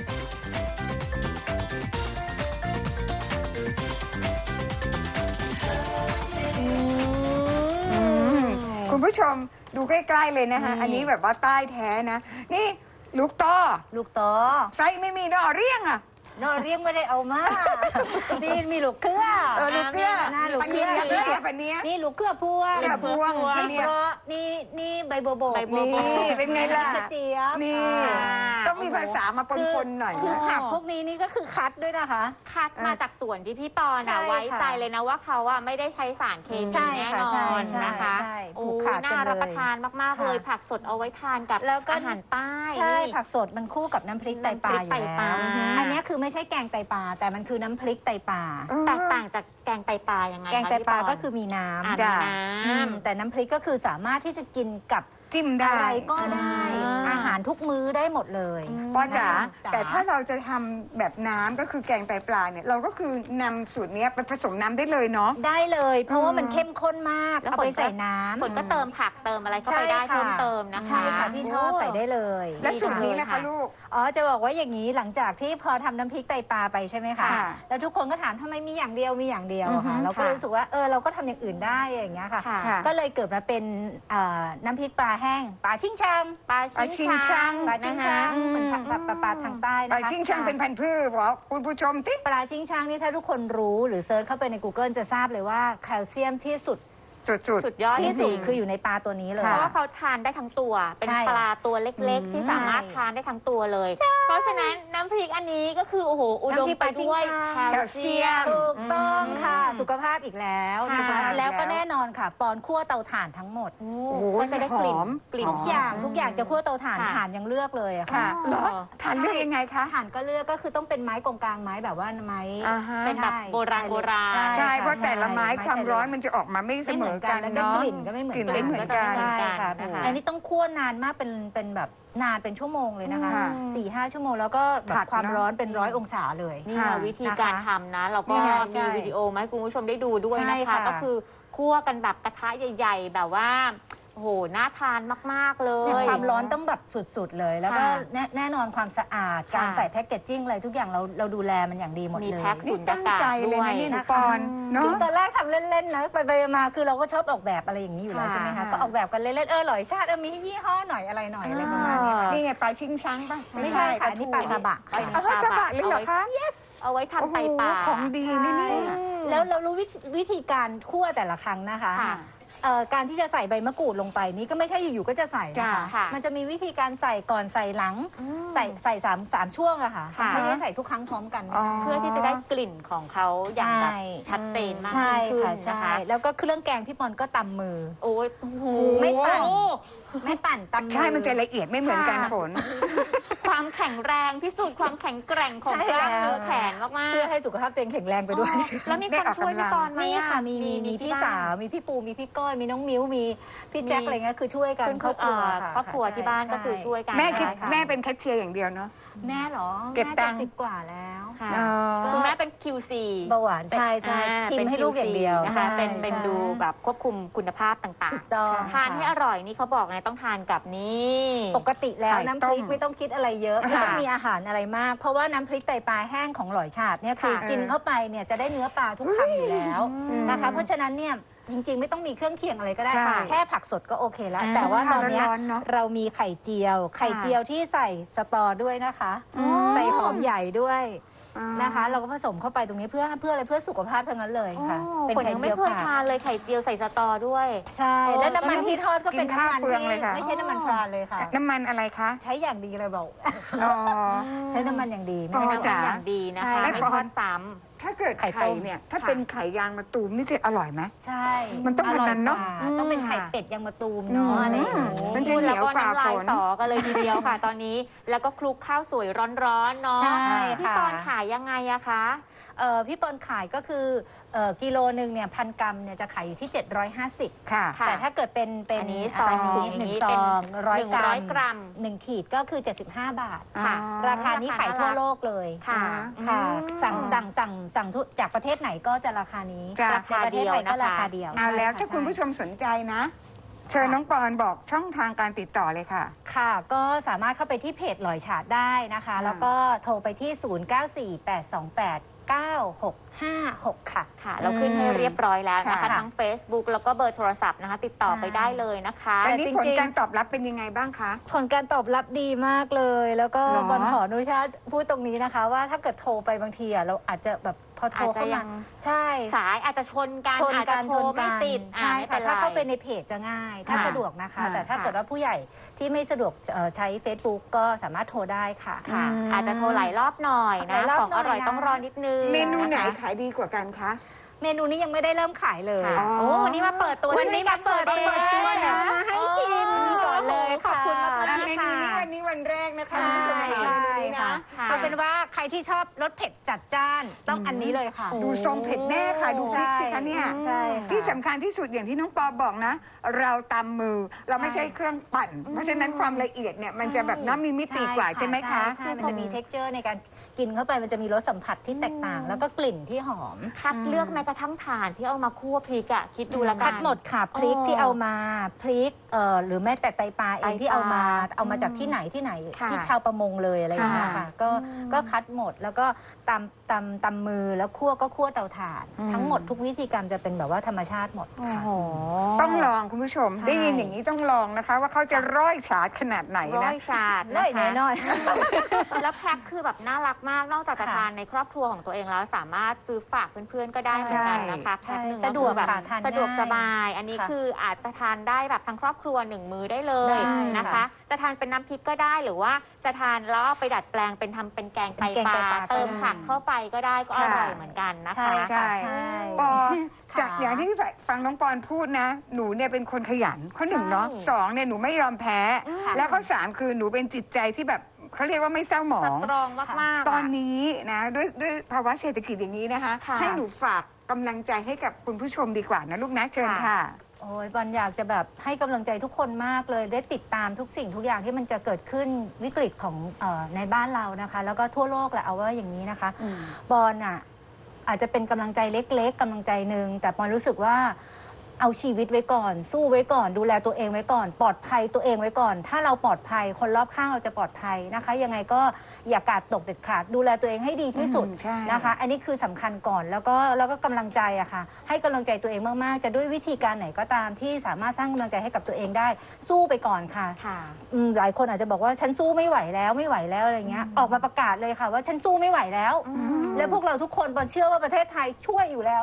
S3: คุณผู้ชมดูใกล้ๆเลยนะคะอันนี้แบบว่าใต้แท้นะ นี่ลูกต้อ
S2: ลูกต่อ
S3: ไส้ไม่มีนอเรียงอ่ะ
S2: นอเรียงไม่ได้เอามา นี่มีลูกเครือ
S3: ลูกเกลือ
S2: หน้าลูก
S3: ปัน
S2: เครื
S3: เนี้
S2: อย
S3: ปันเนี้ย
S2: นี่ลูกเครือพวง
S3: เครือพวง
S2: นี่
S3: เนี่ย
S2: เพราะนี่ใบบัวบก
S4: ใบบัวบก
S3: นี่เป็นไงล่ะ
S2: กระเจี๊ยบ
S3: นี่
S2: อ่า
S3: ต้องมีภาษามาปนๆหน่อย
S2: คือ
S3: นะ
S2: ผักพวกนี้นี่ก็คือคัดด้วยนะคะ
S4: คัดมาจากสวนที่พี่ปอน
S2: ใช่
S4: อะ
S2: ค่ะ
S4: ไว้ใจเลยนะว่าเขาอะไม่ได้ใช้สารเคมี
S2: ใช่
S4: แน่
S2: ค่ะ
S4: น
S2: ใช่
S4: อน
S2: ใช่
S4: นะคะ
S2: ใช่
S4: โอ้
S2: ผูกขาดกันเลย
S4: น่ารับประทานมากๆ
S2: ค่ะ
S4: เลยผักสดเอาไว้ทานกับ
S2: แล้วก็
S4: อาหารใต้
S2: ใช่
S4: นี่
S2: ผักสดมันคู่กับน้ำพริกไตปลาอยู่
S4: น้ำพริกไตป
S2: แล้
S4: ลา
S2: วอันนี้คือไม่ใช่แกงไตปลาแต่มันคือน้ำพริกไตปลา
S4: แตกต่างจากแกงไตปลายังไง
S2: แกงไตปลา
S4: คะพี่
S2: ก็คือมีน้
S4: อ่า
S2: ำ
S4: มี
S2: แต่น้ำพริกก็คือสามารถที่จะกินกับ
S3: จิ้มได้
S2: อะไรก็ได้
S4: อ่า
S2: อาหารทุกมื้อได้หมดเลย
S3: ป้าจ๋า
S2: จ๋า
S3: แต่ถ้าเราจะทำแบบน้ำก็คือแกงไตปลาเนี่ยเราก็คือนำสูตรเนี้ยไปผสมน้ำได้เลยเนาะ
S2: ได้เลย เพราะว่ามันเข้มข้นมาก
S4: แล้ว
S2: เอาไปใส่น้ำ
S4: คนก็เติมผักเติมอะไรเข้าไปได้เพิ่มเติมนะคะ
S2: ใช่ค่ะที่ชอบใส่ได้เลย
S3: และสูตรนี้นะคะลูก
S2: อ๋อจะบอกว่าอย่างนี้หลังจากที่พอทำน้ำพริกไตปลาไปใช่ไหมคะ
S3: ค่ะ
S2: แล้วทุกคนก็ถามทำไมมีอย่างเดียวมีอย่างเดียวอะค่ะ
S3: อือฮึ
S2: เราก็
S3: ค่ะ
S2: รู้สึกว่าเราก็ทำอย่างอื่นได้อย่างเงี้ยค่ะ
S3: ค่ะ
S2: ก็เลยเกิดมาเป็นน้ำพริกปลาแห้งปลาชิงชัง
S4: ปลา
S3: ปลาชิ
S4: ชิ
S3: ง
S4: ง
S3: ชั
S4: ชั
S3: ง
S4: ง
S2: ปลาชิงชัง
S3: อืม
S2: เหมือนปลาทางใต้
S3: ปลา
S2: นะคะ
S3: ชิงช่างเป็นพันธุ์พืชบอกคุณผู้ชมติ
S2: ปลาชิงชังนี่ถ้าทุกคนรู้หรือเซิร์ชเข้าไปใน Google จะทราบเลยว่าแคลเซียมที่สุด
S3: สุด
S4: สุดยอด
S2: ที่สุด
S4: จริงๆ
S2: คืออยู่ในปลาตัวนี้เลย
S4: เพราะว่าเขาทานได้ทั้งตัว เป็น
S2: ใช่
S4: ปลาตัวเล็กๆ ที่สามารถทานได้ทั้งตัวเลย เพราะฉะนั้นน้ำพริกอันนี้ก็คือโอ้โหอุดม
S2: น้ำพริก
S4: ไป
S2: ปลาชิง
S4: ด้วย
S2: ช้าง
S4: แคลเซียม
S2: ถูกต้องค่ะ สุขภาพอีกแล้วนะคะ
S3: ค่ะ
S2: แล้วก็แน่นอนค่ะ ปอนคั่วเตาถ่านทั้งหมด
S4: โอ้
S3: โอ้โห
S4: ก็จะได้กลิ่น
S3: หอม
S4: กลิ่น
S3: หอม
S2: ทุกอย่างจะคั่วเตาถ่าน
S4: ค่ะ
S2: ถ่านยังเลือกเลยอะ
S3: ค่ะ
S2: ค่ะ
S3: เหรอทานเลือกยังไงคะ
S2: ถ่านก็เลือกก็คือต้องเป็นไม้กงกลางไม้แบบว่าไม้
S3: อ่าฮะ
S4: เป็นแบบโบราณโบราณ
S2: ใช่
S3: ใช่
S2: ค่
S3: เพราะแต่ละไม้
S2: ใช่
S3: ความร้อนมันจะออกมาไม่เสมอกัน
S2: แล้วก็
S3: เนาะ
S2: กลิ่นก็ไม่เหมือน
S3: กลิ่น
S2: กั
S3: ไม่เหมือนกัน
S2: ใช่ค่ะ
S4: นะคะ
S2: อันนี้ต้องคั่วนานมากเป็นแบบนานเป็นชั่วโมงเลยนะคะ
S3: ค่ะ
S2: 4-5 ชั่วโมงแล้วก็แบ
S3: ผั
S2: บ
S3: ด
S2: ความ
S3: เนอะ
S2: ร้อนเป็น100 องศาเลย
S4: นี่
S3: ค่ะ
S4: วิธีการทำนะ เราก็
S2: ใช่
S4: มีวิดีโอมาให้คุณผู้ชมได้ดูด้วย
S2: ใช่
S4: นะคะ
S2: ค่ะ
S4: ก็คือคั่วกันแบบกระทะใหญ่ ๆ แบบว่าโอ้โหน่าทานมากๆเล
S2: เนี่ย
S4: ย
S2: ความร้อนต้องแบบสุดๆเลย แล้วก็
S4: ค่ะ
S2: แน่นอนความสะอาดการ
S4: ค่ะ
S2: ใส่แพ็กเกจจิ้งอะไรทุกอย่างเราดูแลมันอย่างดีหมด
S4: มี
S2: เลย
S4: แพ็ค
S3: นี่
S4: สุญญา
S3: ตั้ง
S4: กาศ
S3: ใจเลย
S4: ด้วย
S3: นะนี่หนู
S2: นะคะ
S3: ปอนเนาะ
S2: คือตอนแรกทำเล่นๆนะไปมาคือเราก็ชอบออกแบบอะไรอย่างนี้อยู่แล้ว
S3: ค่ะ
S2: ใช่ไหมคะก็ออกแบบกันเล่นๆหลอยชาติมียี่ห้อหน่อยอะไรหน่อยอะไรประมาณเนี้ยค่ะ
S3: นี่ไงปลาชิงช้างป่ะ
S2: ไม่ใช่ค่ะอันนี่ปลาซาบะ
S4: ปลา
S2: ค่ะ
S3: เอาปลาซาบะเลยเหรอคะ
S4: เอาไว้ทำไตปลา
S3: โอ้โหของดีนี่นี่
S2: แล้วเรารู้วิธีการคั่วแต่ละครั้งนะคะ
S4: ค่ะ
S2: การที่จะใส่ใบมะกรูดลงไปนี่ก็ไม่ใช่อยู่ๆก็จะใส่นะคะ
S4: ค่ะ
S2: มันจะมีวิธีการใส่ก่อนใส่หลังใส่สามช่วงอะค่ะ
S4: ค่ะ
S2: ไม่ได้ใส่ทุกครั้งพร้อมกัน
S3: อ๋อ
S4: เพื่อที่จะได้กลิ่นของเขาอย่างแบบ
S2: ใช่
S4: ชัดเจนมาก
S2: ใช่
S4: ยิ่งขึ้น
S2: ค่ะ
S4: นะ
S2: ใช่
S4: คะ
S2: แล้วก็เครื่องแกงพี่ปอนก็ตำมือ
S4: โอ้ยโอ้โห
S2: ไม่ปั่น ไม่ปั่นตำมือ
S3: ใช่มันจะละเอียดไม่เหมือนกัน
S4: ค่ะ
S3: ฝน
S4: ความแข็งแรงพิสูจน์ความแข็งแกร่งของ
S2: ใช่
S4: กล้าม
S2: แล้ว
S4: เนื้อแขนมากๆ
S2: เพื่อให้สุขภาพตัวเองแข็งแรงไปด้วย
S4: แล้วมีคนช่วยพี่ปอนไหม
S2: มี
S4: อ
S2: ค่ะมี
S4: ที่
S2: พี่
S4: บ้น
S2: สาวมีพี่ปูมีพี่ก้อยมีน้องมิ้วมีพี่แจ็คอะไรเงี้ยคือช่วยกันครอบครัวค่ะ
S4: ครอบครัวที่บ้านก็คือช่วยกัน
S3: แม่คิด
S2: ใช่ค่ะ
S3: แม่เป็นแคชเชียร์อย่างเดียวเนาะ
S2: แม่เหรอ
S3: เก็บตังค์
S2: แม่70 กว่าแล้ว
S4: ค่ะ
S3: อ๋อ
S4: คุณแม่เป็น QC
S2: เบาหวานใช่ใช่
S4: อ่า
S2: ชิม
S4: เป็น
S2: ให้ลูก
S4: QC
S2: อย่างเดียว
S4: นะคะ
S2: ใช่
S4: เป็น
S2: ใช่
S4: ดูแบบควบคุมคุณภาพต่าง
S2: ถูกต้อง
S4: ๆ ทานให้อร่อยนี่เขาบอกไงต้องทานกับนี่
S2: ปกติแล้ว
S3: ไข่
S2: น้ำพริก
S3: ต้ม
S2: ไม่ต้องคิดอะไรเยอะไม่ต้อง
S3: ค่ะ
S2: มีอาหารอะไรมาก เพราะว่าน้ำพริกไตปลาแห้งของหลอยฉาดเนี่ยคือ
S3: ค่ะ
S2: กินเข้าไปเนี่ยจะได้เนื้อปลาทุกคำอยู่แล้วนะคะ เพราะฉะนั้นเนี่ยจริงๆ ไม่ต้องมีเครื่องเคียงอะไรก็ได้
S3: ค่ะ
S2: แค่ผักสดก็โอเคแล้ว
S4: อ่า
S2: แต่ว่าตอนเนี้ย
S3: ร้อนๆเนอะ
S2: เรามีไข่เจียว ไข่เจียวที่ใส่สตอด้วยนะคะ ใส่หอมใหญ่ด้วยนะคะ เราก็ผสมเข้าไปตรงนี้เพื่ออะไรเพื่อสุขภาพทั้งนั้นเลยค่ะ เป็น
S4: คน
S2: ไข่
S4: ยัง
S2: เจี
S4: ไม่
S2: ยว
S4: เคย
S2: ผัก
S4: ทานเลยไข่เจียวใส่สตอด้วย
S2: ใช่ แล้วน้ำมันที่ทอดก็เป็น
S3: กินข้าว
S2: น้ำมัน
S3: เปลือง
S2: ที่
S3: เลยค่ะ
S2: ไม่ใช่น้ำมันทรานเลยค่ะ
S3: น้ำมันอะไรคะ
S2: ใช้อย่างดีเลยบอก
S3: อ๋อ
S2: ใช้น้ำมันอย่างดีไม่
S3: อ๋อ
S2: ได้
S4: น้ำมันอย่างดีนะคะ
S2: ใช่
S4: ไม่ทอดซ้
S3: ถ้าเกิด
S2: ไข่
S3: ไข่
S2: ต้ม
S3: เนี่ย ถ้า
S4: ค่ะ
S3: เป็นไข่ยางมะตูมนี่จะอร่อยไหม
S2: ใช่
S3: มันต้อง
S2: ร่ย
S3: แบบนั้นเนอะ
S2: กว่าต้องเป็นไข่เป็ดยางมะตูมเนาะอะไรอย่าง
S3: อืม
S2: นี้
S3: มัน
S4: ำ
S3: จะ
S4: พูดแล้วก็
S3: เหนียวกว่า
S4: น้ำลาย
S3: ฝน
S4: สอกันเลยทีเดียวค่ะ ตอนนี้แล้วก็คลุกข้าวสวยร้อนๆเนาะ
S2: ใช่
S4: พี่
S2: ค่ะ
S4: ปอนขายยังไงอะคะ
S2: พี่ปอนขายก็คือกิโลหนึ่งเนี่ย1,000 กรัมเนี่ยจะขายอยู่ที่ 750
S3: ค่ะ
S4: ค่ะ
S2: แต่ถ้าเกิดเป็น
S4: อันนี้ซอง
S2: อันนี้
S4: อย่าง
S2: หนึ่ง
S4: นี้
S2: ซ
S4: เป็น
S2: อง100 กรัม
S4: 100 กรัม
S2: 1 ขีดก็คือ 75 บาท
S4: ค่ะ
S2: ราคานี้ขายทั่วโลกเลย
S4: ค่ะ
S2: ค่ะ
S4: อืม
S2: สั่งจากประเทศไหนก็จะราคานี้
S3: จ้ะ
S2: ในประเทศไทยก็ราคาเดียว
S3: เอาแล้ว
S2: ใช่
S3: ถ้าคุณผู้ช
S2: ใช่
S3: มสนใจนะ เชิญน้องปอนบอกช่องทางการติดต่อเลยค่ะ
S2: ค่ะ ก็สามารถเข้าไปที่เพจหลอยฉาดได้นะคะ แล้วก็โทรไปที่ 0948289656 ค่ะ
S4: ค่ะ เราขึ้นให้เรียบร้อยแล้วนะคะ
S2: ค่ะ
S4: ทั้ง Facebook แล้วก็เบอร์โทรศัพท์นะคะ ติดต่อไปได้เลยนะคะ
S3: อันนี้
S2: จริง
S3: ผ
S2: ๆ
S3: ลการตอบรับเป็นยังไงบ้างคะ
S2: ผลการตอบรับดีมากเลย แล้วก็
S3: เหรอ
S2: บอลขออนุญาตพูดตรงนี้นะคะ ว่าถ้าเกิดโทรไปบางทีเราอาจจะแบบพอโทรเข้า
S4: อาจจะยั
S2: มาง ใช่
S4: สายอาจจะชนกัน
S2: ชน
S4: อาจ
S2: กั
S4: จะ
S2: น
S4: โท
S2: ช
S4: ร
S2: น
S4: ไม่
S2: กัน
S4: ติด
S2: ใช่
S4: ไม่
S2: ค่ะ
S4: ป็นไร
S2: ถ้าเข้าไปในเพจจะง่าย ถ้า
S3: ค่ะ
S2: สะดวกนะคะ
S3: ค่ะ
S2: แต่ถ้าเกิดว่าผู้ใหญ่ที่ไม่สะดวกใช้ Facebook ก็สามารถโทรได้ค่ะ
S4: ค่ะ อาจจะโทรหลายรอบหน่อย
S2: ห
S4: นะ
S2: ลายรอบ
S4: ของอร่อย
S2: หน่อยนะ
S4: ต้องรอนิดนึง
S3: เมนูไหน
S4: นะคะ
S3: ขายดีกว่ากันคะ
S2: เมนูนี้ยังไม่ได้เริ่มขายเลย
S4: ค่ะโอ้วันนี้มาเปิดตัว
S2: วันนี้มาเปิดตัว
S4: ด้วยกัน
S2: นะมาให้ชิมก่อนเลย
S4: ขอบ
S2: ค่ะ
S4: คุณมาก
S3: อ่ะ
S4: ๆ
S3: เมนูนี้วันนี้วันแรกนะคะ
S2: ใช่
S3: คุณผู้ชมค่ะ
S2: ใช่
S3: เมนูนี้
S2: ค่ะ
S3: นะ
S4: ค่ะ
S2: เอาเป็นว่าใครที่ชอบรสเผ็ดจัดจ้านต้องอันนี้เลยค่ะ
S3: ดูทรงเผ็ดแน่ค่ะ ดูพริกสิคะเนี่ย
S2: ใช่ค่ะ
S3: ที่สำคัญที่สุดอย่างที่น้องปอบอกนะ เราตำมือเราไม่ใช่เครื่องปั่น เพราะฉะนั้นความละเอียดเนี่ยมันจะแบบน้ำมีมิติกว่าใช่ไหมคะ
S2: ใช่มันจะมี texture ในการกินเข้าไปมันจะมีรสสัมผัสที่แตกต่าง แล้วก็กลิ่นที่หอม
S4: คัดเลือกแม้กระทั่งถ่านที่เอามาคั่วพริกอะคิดดูละกัน
S2: คัดหมดค่ะพริกที่เอามาพริกหรือแม้แต่ไตปลาเองที่เอามาจากที่ไหนที่ไหน
S3: ค่ะ
S2: ที่ชาวประมงเลยอะไรอย่างเงี้ยค่ะก็คัดหมดแล้วก็ตำมือแล้วคั่วก็คั่วเตาถ่าน ทั้งหมดทุกวิธีการจะเป็นแบบว่าธรรมชาติหมดค่ะ
S3: ต้องลองคุณผู้ชม
S4: ใช่
S3: ได้ยินอย่างนี้ต้องลองนะคะ ว่าเขาจะร้อยฉาดขนาดไหน
S4: ร้อ
S3: นะ
S4: ยชาด
S2: ได้
S4: นะคะ
S2: แน่นอน
S4: แล้วแพ็คคือแบบน่ารักมากนอกจากจะ
S2: ค่ะ
S4: ทานในครอบครัวของตัวเองแล้วสามารถซื้อฝากเพื่อนๆก็ได้เหมือนกันนะคะ
S2: ใช่
S4: แพ็คหนึ่ง
S2: สะดวก
S4: ก็คือแบบ
S2: ค่ะทาน
S4: สะดวก
S2: ง่าย
S4: สบาย อันนี้
S2: ค่ะ
S4: คืออาจจะทานได้แบบทั้งครอบครัว1 มื้อได้เลย
S2: ได้
S4: นะคะ
S2: ค่ะ
S4: จะทานเป็นน้ำพริกก็ได้หรือว่าจะทานแล้วเอาไปดัดแปลงเป็นทำเป็นแกงไต
S2: เป็นแกง
S4: ป
S2: ไต
S4: ลา
S2: ปลา
S4: เติม
S2: ก็ได้
S4: ผักเข้าไปก็ได้ก็
S3: ใช่
S4: อร่อยเหมือนกันนะคะ
S2: ใช่ค่ะใช่
S3: ปอ
S2: ค่ะ
S3: จากอย่างที่ฟังน้องปอนพูดนะ หนูเนี่ยเป็นคนขยันข้อหนึ่งเนาะ
S4: ใช่
S3: สองเนี่ยหนูไม่ยอมแพ้ แล้วข้อสามคือหนูเป็นจิตใจที่แบบเขาเรียกว่าไม่เศร้าหมอ
S4: ส
S3: ง
S4: ตรองมากๆ
S3: ตอน
S4: อะ
S3: นี้นะด้วยภาวะเศรษฐกิจอย่างนี้นะคะ
S4: ค่ะ
S3: ให้หนูฝากกำลังใจให้กับคุณผู้ชมดีกว่านะลูกนะเชิญ
S4: ค่ะ
S3: ค่ะ
S2: โอ้ยบอลอยากจะแบบให้กำลังใจทุกคนมากเลยได้ติดตามทุกสิ่งทุกอย่างที่มันจะเกิดขึ้นวิกฤตของในบ้านเรานะคะ แล้วก็ทั่วโลกแหละเอาว่าอย่างนี้นะคะ บอลอ่ะอาจจะเป็นกำลังใจเล็กๆกำลังใจหนึ่งแต่บอลรู้สึกว่าเอาชีวิตไว้ก่อน สู้ไว้ก่อน ดูแลตัวเองไว้ก่อน ปลอดภัยตัวเองไว้ก่อน ถ้าเราปลอดภัยคนรอบข้างเราจะปลอดภัยนะคะ ยังไงก็อย่ากาดตกเด็ดขาดดูแลตัวเองให้ดีที่สุด
S3: ใช่
S2: นะคะ อันนี้คือสำคัญก่อนแล้วก็กำลังใจอะค่ะ ให้กำลังใจตัวเองมากๆ จะด้วยวิธีการไหนก็ตามที่สามารถสร้างกำลังใจให้กับตัวเองได้ สู้ไปก่อนค่ะ
S4: ค่ะ
S2: หลายคนอาจจะบอกว่าฉันสู้ไม่ไหวแล้วอะไรเงี้ยออกมาประกาศเลยค่ะ ว่าฉันสู้ไม่ไหวแล้ว และพวกเราทุกคนบอลเชื่อว่าประเทศไทยช่วยอยู่แล้ว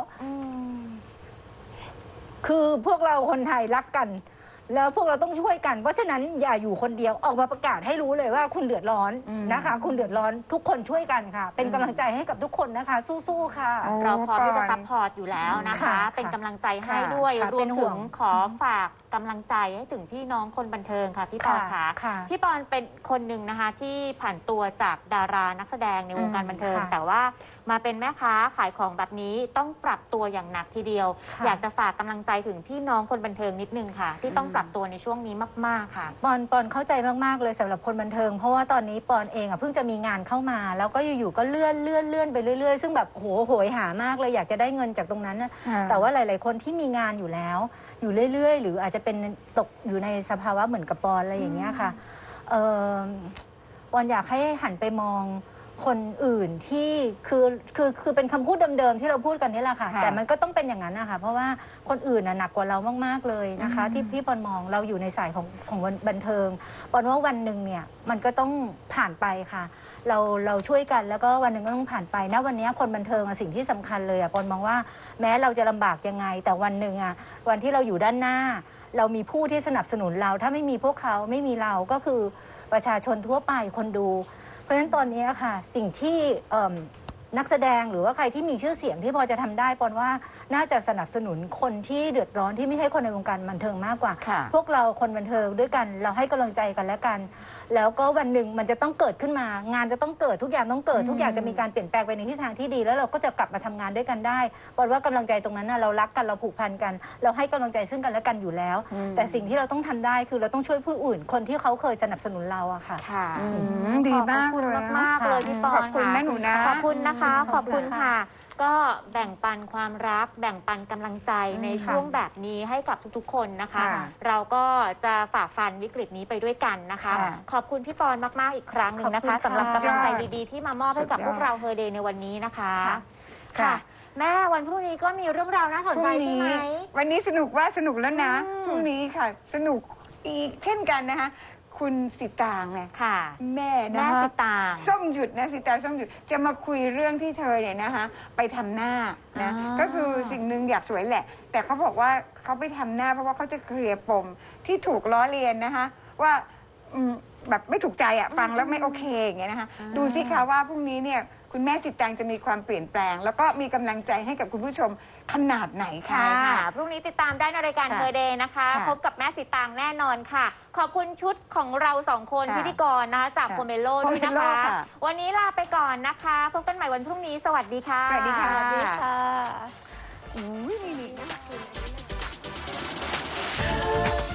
S2: คือพวกเราคนไทยรักกัน แล้วพวกเราต้องช่วยกันเพราะฉะนั้นอย่าอยู่คนเดียวออกมาประกาศให้รู้เลยว่าคุณเดือดร้อนนะคะ คุณเดือดร้อนทุกคนช่วยกันค่ะ เป็นกำลังใจให้กับทุกคนนะคะ สู้ๆค่ะ
S4: เราพร้อมที่จะ
S3: ปอน
S4: ซัพพอร์ตอยู่แล้วนะคะ
S2: ค่ะ
S4: เป็นกำลังใจให้
S3: ค่ะ
S4: ด้วย
S2: ค่ะ
S4: รว
S2: เป็
S4: ม
S2: นห่
S4: ถึ
S2: วง
S4: งขอฝากกำลังใจให้ถึงพี่น้องคนบันเทิงค่ะพี่ปอน
S2: ค่ะ
S4: ค่ะ
S2: ค่ะ
S4: พี่ปอนเป็นคนหนึ่งนะคะที่ผ่านตัวจากดารานักแสดงในวงการบันเทิง
S2: ค่ะ
S4: แต่ว่ามาเป็นแม่ค้าขายของแบบนี้ต้องปรับตัวอย่างหนักทีเดียว
S2: ค่ะ
S4: อยากจะฝากกำลังใจถึงพี่น้องคนบันเทิงนิดนึงค่ะ ที่ต้องปรับตัวในช่วงนี้มากๆค่ะ
S2: ปอนเข้าใจมากๆเลยสำหรับคนบันเทิง เพราะว่าตอนนี้ปอนเองอ่ะเพิ่งจะมีงานเข้ามา แล้วก็อยู่ๆก็เลื่อนไปเรื่อยๆ ซึ่งแบบโหยหามากเลยอยากจะได้เงินจากตรงนั้นนะ
S3: ค่ะ
S2: แต่ว่าหลายๆคนที่มีงานอยู่แล้ว อยู่เรื่อยๆ หรืออาจจะเป็นตกอยู่ในสภาวะเหมือนกับปอนอะไรอย่างเงี้ยค่ะปอนอยากให้หันไปมองคนอื่นที่คือเป็นคำพูดเดิมๆที่เราพูดกันนี่แหละค่ะ
S3: ค่ะ
S2: แต่มันก็ต้องเป็นอย่างนั้นนะคะเพราะว่าคนอื่นน่ะหนักกว่าเรามากๆเลยนะคะ ที่ปอนมองเราอยู่ในสายของบันเทิงปอนว่าวันหนึ่งเนี่ยมันก็ต้องผ่านไปค่ะ เราช่วยกันแล้วก็วันหนึ่งก็ต้องผ่านไปนะวันนี้คนบันเทิงอะสิ่งที่สำคัญเลยอะปอนมองว่าแม้เราจะลำบากยังไง แต่วันหนึ่งอะวันที่เราอยู่ด้านหน้า เรามีผู้ที่สนับสนุนเราถ้าไม่มีพวกเขาไม่มีเราก็คือประชาชนทั่วไปคนดู เพราะฉะนั้นตอนนี้ค่ะสิ่งที่นักแสดงหรือว่าใครที่มีชื่อเสียงที่พอจะทำได้ปอนว่าน่าจะสนับสนุนคนที่เดือดร้อนที่ไม่ใช่คนในวงการบันเทิงมากกว่า
S3: ค่ะ
S2: พวกเราคนบันเทิงด้วยกันเราให้กำลังใจกันและกัน แล้วก็วันหนึ่งมันจะต้องเกิดขึ้นมา งานจะต้องเกิดทุกอย่างต้องเกิดทุกอย่างจะมีการเปลี่ยนแปลงไปในทิศทางที่ดี แล้วเราก็จะกลับมาทำงานด้วยกันได้ปอนว่ากำลังใจตรงนั้นนะเรารักกันเราผูกพันกัน เราให้กำลังใจซึ่งกันและกันอยู่แล้ว แต่สิ่งที่เราต้องทำได้คือเราต้องช่วยผู้อื่นคนที่เขาเคยสนับสนุนเราอะค่ะ
S4: ค่ะ
S3: ดีมาก
S4: ขอบคุณ
S3: เลย
S4: มากๆเลยพี่ปอน
S3: ขอบคุณนะหนูนะ
S4: ขอบคุณนะคะ ขอบคุณค่ะ ก็แบ่งปันความรัก แบ่งปันกำลังใจในช่วงแบบนี้ให้กับทุกๆ คนนะคะ
S3: ค่ะ
S4: เราก็จะฝ่าฟันวิกฤตนี้ไปด้วยกันนะคะ
S3: ค่ะ
S4: ขอบคุณพี่ปอนมากๆอีกครั้งหนึ่งนะคะ
S2: ขอบคุณค่ะ
S4: สำหรับกำลังใจดีๆ ที่มามอบให้กับพวกเราเฮอร์เดย์ในวันนี้นะคะ ค่ะ แม่วันพรุ่งนี้ก็มีเรื่องราวน่าสนใจใช่ไหม
S3: วันนี้สนุกว่าสนุกแล้วนะ
S4: อืม
S3: พรุ่งนี้ค่ะ สนุกอีกเช่นกันนะคะคุณสิตางไง
S4: ค่ะ
S3: แม่นะ
S4: แม่
S3: คะ
S4: สิตาง
S3: ส้มหยุดนะสิตางส้มหยุดจะมาคุยเรื่องที่เธอเนี่ยนะคะไปทำหน้านะ
S4: อ่า
S3: ก็คือสิ่งหนึ่งอยากสวยแหละ แต่เขาบอกว่าเขาไปทำหน้าเพราะว่าเขาจะเคลียร์ปมที่ถูกล้อเลียนนะคะว่าแบบไม่ถูกใจอ่ะฟังแล้วไม่โอเคอย่างเงี้ยนะคะดูสิคะว่าพรุ่งนี้เนี่ยคุณแม่สิตางจะมีความเปลี่ยนแปลง แล้วก็มีกำลังใจให้กับคุณผู้ชมขนาดไหน
S4: ใช่
S3: ค่ะ
S4: ค่ะ พรุ่งนี้ติดตามได้ในรายการ
S3: ค่ะ
S4: เฮอร์เดย์นะคะ
S3: ค่ะ
S4: พบกับแม่สิตางแน่นอนค่ะ ขอบคุณชุดของเราสองคน
S3: ค่ะ
S4: พิธีกรนะคะจาก
S3: ค่ะ
S4: โพเมโลด้วยนะ
S3: Pomelo
S4: คะ
S3: ค่ะ
S4: วันนี้ลาไปก่อนนะคะ พบกันใหม่วันพรุ่งนี้ สวัสดีค่ะ
S3: สวัสดีค่ะ
S2: สวัสดีค่ะ
S3: อุ้ยนี่